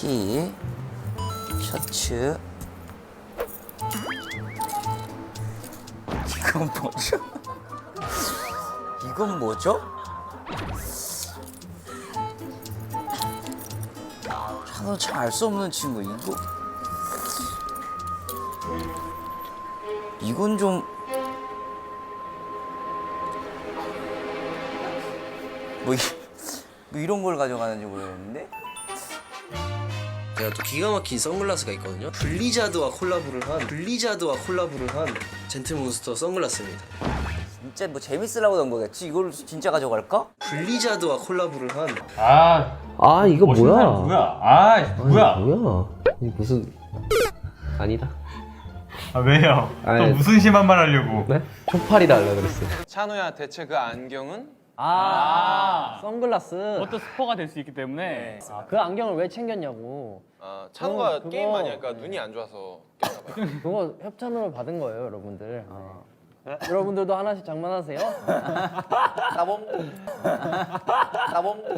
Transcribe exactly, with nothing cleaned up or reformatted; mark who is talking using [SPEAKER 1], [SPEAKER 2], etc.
[SPEAKER 1] 티, 셔츠. 이건 뭐죠? 이건 뭐죠? 저는 잘 알 수 없는 친구. 이거 이건 좀 뭐, 이, 뭐 이런 걸 가져가는지 모르겠는데.
[SPEAKER 2] 제가 또 기가 막힌 선글라스가 있거든요. 블리자드와 콜라보를 한 블리자드와 콜라보를 한 젠틀몬스터 선글라스입니다.
[SPEAKER 1] 진짜 뭐 재밌으려고 넣은 거겠지? 이걸 진짜 가져갈까?
[SPEAKER 2] 블리자드와 콜라보를 한
[SPEAKER 3] 아,
[SPEAKER 4] 아 이거
[SPEAKER 3] 멋있는
[SPEAKER 4] 뭐야?
[SPEAKER 3] 사람 누구야? 아,
[SPEAKER 4] 아니,
[SPEAKER 3] 뭐야?
[SPEAKER 4] 뭐야? 이 무슨 아니다.
[SPEAKER 3] 아, 왜요?
[SPEAKER 4] 아니,
[SPEAKER 3] 또 무슨 심한 말 하려고?
[SPEAKER 4] 네? 초파리다 하려 그랬어.
[SPEAKER 5] 찬호야, 대체 그 안경은?
[SPEAKER 6] 아, 선글라스.
[SPEAKER 7] 그것도 스포가 될 수 있기 때문에
[SPEAKER 6] 아, 그 안경을 왜 챙겼냐고.
[SPEAKER 5] 아, 찬호가
[SPEAKER 6] 그거-
[SPEAKER 5] 게임 많이 하니까 눈이 안 좋아서 꼈나 봐요.
[SPEAKER 6] 그거 협찬으로 받은 거예요, 여러분들. 네. 여러분들도 하나씩 장만하세요.
[SPEAKER 1] 따봉 따봉